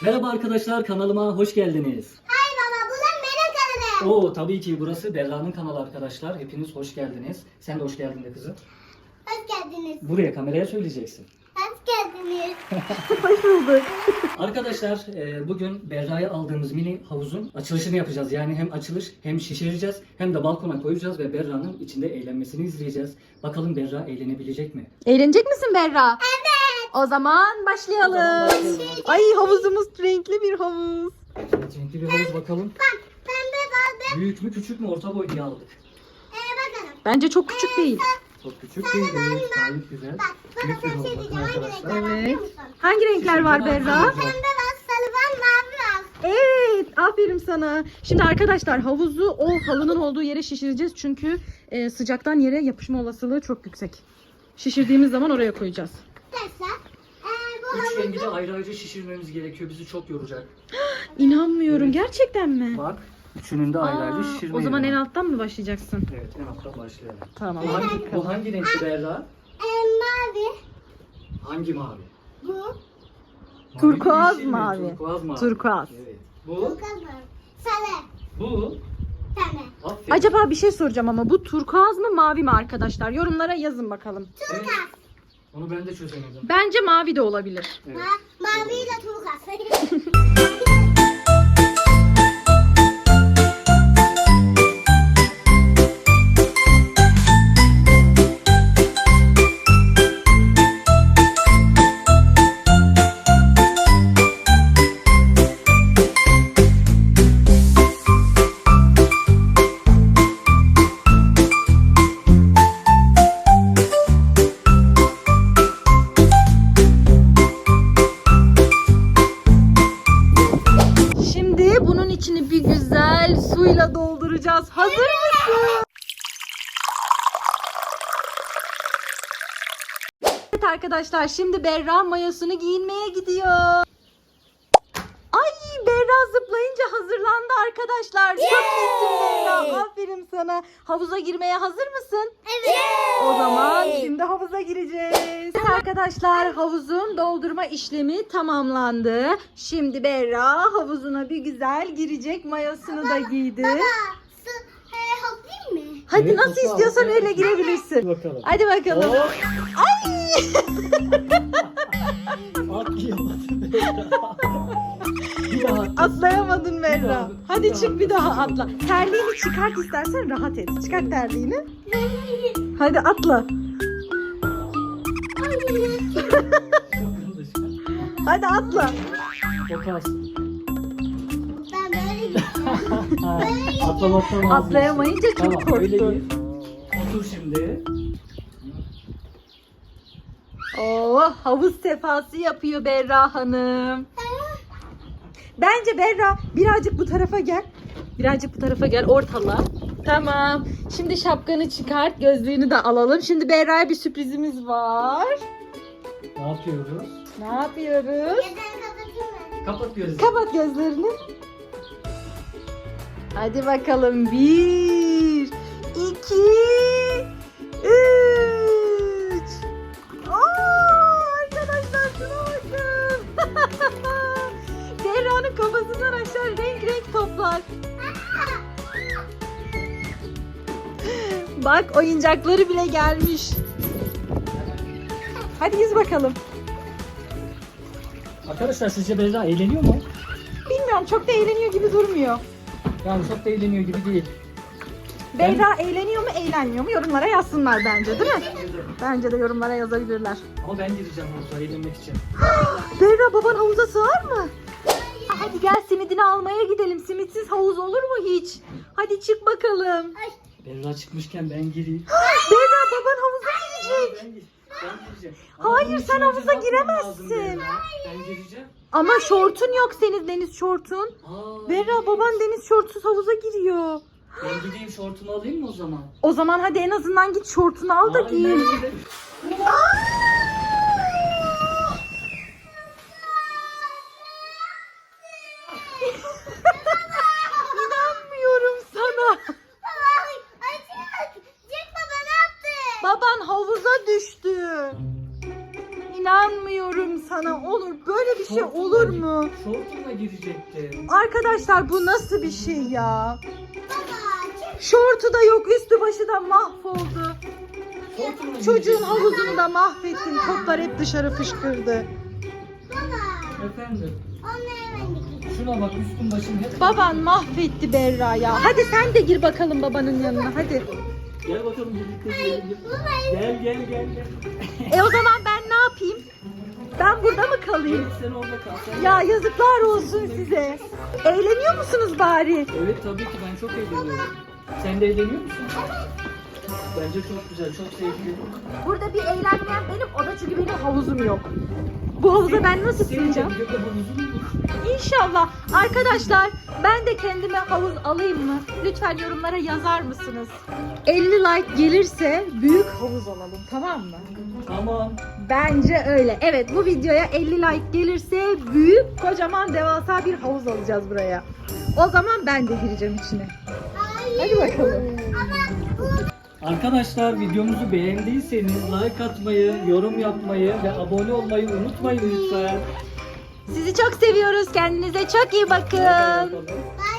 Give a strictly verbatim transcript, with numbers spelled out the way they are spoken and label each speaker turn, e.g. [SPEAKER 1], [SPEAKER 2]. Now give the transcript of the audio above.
[SPEAKER 1] Merhaba arkadaşlar, kanalıma hoş geldiniz.
[SPEAKER 2] Hay baba, bu da benim kanalım.
[SPEAKER 1] Oo, tabii ki burası Berra'nın kanalı arkadaşlar. Hepiniz hoş geldiniz. Sen de hoş geldin de kızım.
[SPEAKER 2] Hoş geldiniz.
[SPEAKER 1] Buraya kameraya söyleyeceksin.
[SPEAKER 2] Hoş geldiniz.
[SPEAKER 3] Hoş bulduk.
[SPEAKER 1] Arkadaşlar e, bugün Berra'ya aldığımız mini havuzun açılışını yapacağız. Yani hem açılış hem şişireceğiz hem de balkona koyacağız ve Berra'nın içinde eğlenmesini izleyeceğiz. Bakalım Berra eğlenebilecek mi?
[SPEAKER 3] Eğlenecek misin Berra? Evet. O zaman başlayalım.
[SPEAKER 1] O zaman başlayalım.
[SPEAKER 3] Ay havuzumuz renkli bir havuz.
[SPEAKER 1] Renkli bir havuz bakalım.
[SPEAKER 2] Bak, pembe vardı.
[SPEAKER 1] Büyük mü küçük mü orta boy diye aldık.
[SPEAKER 2] Ee, bakalım.
[SPEAKER 3] Bence çok küçük değil.
[SPEAKER 1] Çok küçük değil, evet, gayet güzel.
[SPEAKER 2] Bak, bana
[SPEAKER 1] Büyük bir
[SPEAKER 2] sen
[SPEAKER 1] havuz
[SPEAKER 2] şey
[SPEAKER 1] bakın
[SPEAKER 2] diyeceğim. Hangi
[SPEAKER 1] arkadaşlar.
[SPEAKER 2] renkler var biliyor
[SPEAKER 3] Evet.
[SPEAKER 2] musun?
[SPEAKER 3] Hangi renkler var Berra?
[SPEAKER 2] Pembe var, sarı var, mavi var.
[SPEAKER 3] Evet, aferin sana. Şimdi arkadaşlar havuzu o halının olduğu yere şişireceğiz çünkü e, sıcaktan yere yapışma olasılığı çok yüksek. Şişirdiğimiz zaman oraya koyacağız.
[SPEAKER 2] Arkadaşlar, ee, bu
[SPEAKER 1] Üç
[SPEAKER 2] havuz
[SPEAKER 1] rengi de ayrı ayrı şişirmemiz gerekiyor. Bizi çok yoracak.
[SPEAKER 3] İnanmıyorum,
[SPEAKER 1] Evet.
[SPEAKER 3] gerçekten mi?
[SPEAKER 1] Bak, üçünün de ayrı ayrı
[SPEAKER 3] Aa,
[SPEAKER 1] şişirmeye.
[SPEAKER 3] o zaman en
[SPEAKER 1] devam.
[SPEAKER 3] alttan mı başlayacaksın?
[SPEAKER 1] Evet, en alttan başlayalım.
[SPEAKER 3] Tamam.
[SPEAKER 1] Bu hangi, bu hangi renkli Berra?
[SPEAKER 2] ee, mavi.
[SPEAKER 1] Hangi mavi?
[SPEAKER 2] Bu.
[SPEAKER 1] Mavi
[SPEAKER 3] Turkuaz
[SPEAKER 1] yeşil mi?
[SPEAKER 3] mavi.
[SPEAKER 1] Turkuaz mavi.
[SPEAKER 3] Turkuaz.
[SPEAKER 1] Evet.
[SPEAKER 2] Bu
[SPEAKER 1] Bu,
[SPEAKER 2] kızım. Sarı.
[SPEAKER 1] bu.
[SPEAKER 2] Pembe.
[SPEAKER 1] Aferin.
[SPEAKER 3] Acaba bir şey soracağım ama bu turkuaz mı mavi mi arkadaşlar? Yorumlara yazın bakalım.
[SPEAKER 1] Evet, onu ben de çözemedim.
[SPEAKER 3] Bence mavi de olabilir.
[SPEAKER 1] Evet.
[SPEAKER 2] Ma maviyle turkuaz.
[SPEAKER 3] Şimdi bunun içini bir güzel suyla dolduracağız. Hazır mısın? Evet arkadaşlar, şimdi Berra mayosunu giyinmeye gidiyor. Ay, Berra zıplayınca hazırlandı arkadaşlar. Çok iyisin Berra. Aferin sana. Havuza girmeye hazır mısın?
[SPEAKER 2] Evet.
[SPEAKER 3] O zaman şimdi havuza gireceğiz. Evet arkadaşlar, havuzun doldurma işlemi tamamlandı. Şimdi Berra havuzuna bir güzel girecek, mayosunu da giydi.
[SPEAKER 2] Baba, su, ee, hoplayayım mı?
[SPEAKER 3] Hadi
[SPEAKER 1] Evet,
[SPEAKER 3] nasıl
[SPEAKER 1] bakalım.
[SPEAKER 3] istiyorsan öyle
[SPEAKER 1] Hadi
[SPEAKER 3] girebilirsin.
[SPEAKER 1] bakalım.
[SPEAKER 3] Hadi bakalım.
[SPEAKER 1] Hop.
[SPEAKER 3] Ay!
[SPEAKER 1] Atlayamadım Berra. Bir daha atla.
[SPEAKER 3] Atlayamadın Berra.
[SPEAKER 1] daha, bir
[SPEAKER 3] Hadi
[SPEAKER 1] daha
[SPEAKER 3] çık bir daha
[SPEAKER 1] atla.
[SPEAKER 3] atla. Terliğini çıkart istersen, rahat et. Çıkart terliğini. Hadi atla. Hadi atla.
[SPEAKER 1] Çok az.
[SPEAKER 2] Ben böyle gideceğim.
[SPEAKER 1] Atlamaktan vazgeçtim.
[SPEAKER 3] Atlayamayınca çok
[SPEAKER 1] Tamam, öyle
[SPEAKER 3] korktu.
[SPEAKER 1] gir. Otur şimdi.
[SPEAKER 3] Oo, havuz sefası yapıyor Berra Hanım. Bence Berra birazcık bu tarafa gel. Birazcık bu tarafa gel, ortala. Tamam. Şimdi şapkanı çıkart, gözlüğünü de alalım. Şimdi Berra'ya bir sürprizimiz var.
[SPEAKER 1] Ne yapıyoruz?
[SPEAKER 3] Ne yapıyoruz?
[SPEAKER 2] Gözlerini kapatayım mı?
[SPEAKER 1] Kapat gözünü.
[SPEAKER 3] Kapat gözlerini. Hadi bakalım. Bir, iki, üç. Oo, arkadaşlar şuna bakın. Berra'nın kafasından aşağı renk renk toplar. Bak, oyuncakları bile gelmiş. Hadi yüz bakalım.
[SPEAKER 1] Arkadaşlar sizce Berra eğleniyor mu?
[SPEAKER 3] Bilmiyorum, çok da eğleniyor gibi durmuyor.
[SPEAKER 1] Yani çok da eğleniyor gibi değil.
[SPEAKER 3] Berra eğleniyor mu eğlenmiyor mu yorumlara yazsınlar bence, değil mi? Bence de yorumlara yazabilirler.
[SPEAKER 1] Ama ben gireceğim havuza eğlenmek için.
[SPEAKER 3] Berra, baban havuza sığar mı? Hadi gel, simidini almaya gidelim. Simitsiz havuz olur mu hiç? Hadi çık bakalım.
[SPEAKER 1] Berra çıkmışken ben gireyim.
[SPEAKER 3] Berra, baban havuza girecek.
[SPEAKER 1] Ben, gir- ben gireceğim.
[SPEAKER 3] Hayır,
[SPEAKER 1] bunun
[SPEAKER 3] sen
[SPEAKER 1] için önce
[SPEAKER 3] havuza
[SPEAKER 1] ne yapmam lazım
[SPEAKER 3] giremezsin.
[SPEAKER 1] Berra? Ben gireceğim.
[SPEAKER 3] Ama şortun yok senin, deniz şortun.
[SPEAKER 1] Aa,
[SPEAKER 3] Berra, baban deniz şortsuz havuza giriyor.
[SPEAKER 1] ben gideyim şortumu alayım mı o zaman?
[SPEAKER 3] O zaman hadi en azından git şortunu al da
[SPEAKER 1] Hayır,
[SPEAKER 3] giy.
[SPEAKER 1] ben giderim.
[SPEAKER 3] İnanmıyorum sana.
[SPEAKER 2] Ay, ay, Jack, Jack baba ne yaptın?
[SPEAKER 3] Baban havuza düştü. inanmıyorum sana. Onur böyle bir şey
[SPEAKER 1] Şortumla
[SPEAKER 3] olur
[SPEAKER 1] gi-
[SPEAKER 3] mu?
[SPEAKER 1] Şortumla girecektim.
[SPEAKER 3] Arkadaşlar bu nasıl bir şey ya?
[SPEAKER 2] Baba çık.
[SPEAKER 3] Şortu da yok, üstü başı da mahvoldu.
[SPEAKER 1] Şortumla
[SPEAKER 3] Çocuğun
[SPEAKER 1] girecektim.
[SPEAKER 3] havuzunu da mahvettin. Toplar hep dışarı fışkırdı.
[SPEAKER 2] Baba.
[SPEAKER 1] Efendim.
[SPEAKER 2] Onları ben de gideyim.
[SPEAKER 1] Şuna bak üstüm başım hep.
[SPEAKER 3] Baban mahvetti Berra ya. Hadi sen de gir bakalım babanın yanına hadi.
[SPEAKER 1] Gel bakalım birlikte girelim.
[SPEAKER 2] Baba.
[SPEAKER 1] Gel gel gel gel.
[SPEAKER 3] E o zaman ben ne yapayım? Ben burada mı kalayım?
[SPEAKER 1] Evet sen orada kal. Sen
[SPEAKER 3] Ya yazıklar olsun size. Eğleniyor musunuz bari?
[SPEAKER 1] Evet tabii ki ben çok eğleniyorum. Sen de eğleniyor musun? Bence çok güzel, çok sevgili.
[SPEAKER 3] Burada bir eğlenmeyen benim, o da çünkü benim havuzum yok. Bu havuza ben nasıl
[SPEAKER 1] Senin
[SPEAKER 3] sığacağım?
[SPEAKER 1] de bir de havuzun mu?
[SPEAKER 3] İnşallah. Arkadaşlar ben de kendime havuz alayım mı? Lütfen yorumlara yazar mısınız? elli like gelirse büyük havuz alalım, tamam mı?
[SPEAKER 1] Tamam.
[SPEAKER 3] Bence öyle. Evet, bu videoya elli like gelirse büyük kocaman devasa bir havuz alacağız buraya. O zaman ben de gireceğim içine. Hadi bakalım.
[SPEAKER 1] Arkadaşlar videomuzu beğendiyseniz like atmayı, yorum yapmayı ve abone olmayı unutmayın lütfen.
[SPEAKER 3] Sizi çok seviyoruz. Kendinize çok iyi bakın.
[SPEAKER 1] Hadi bakalım.
[SPEAKER 2] Bye.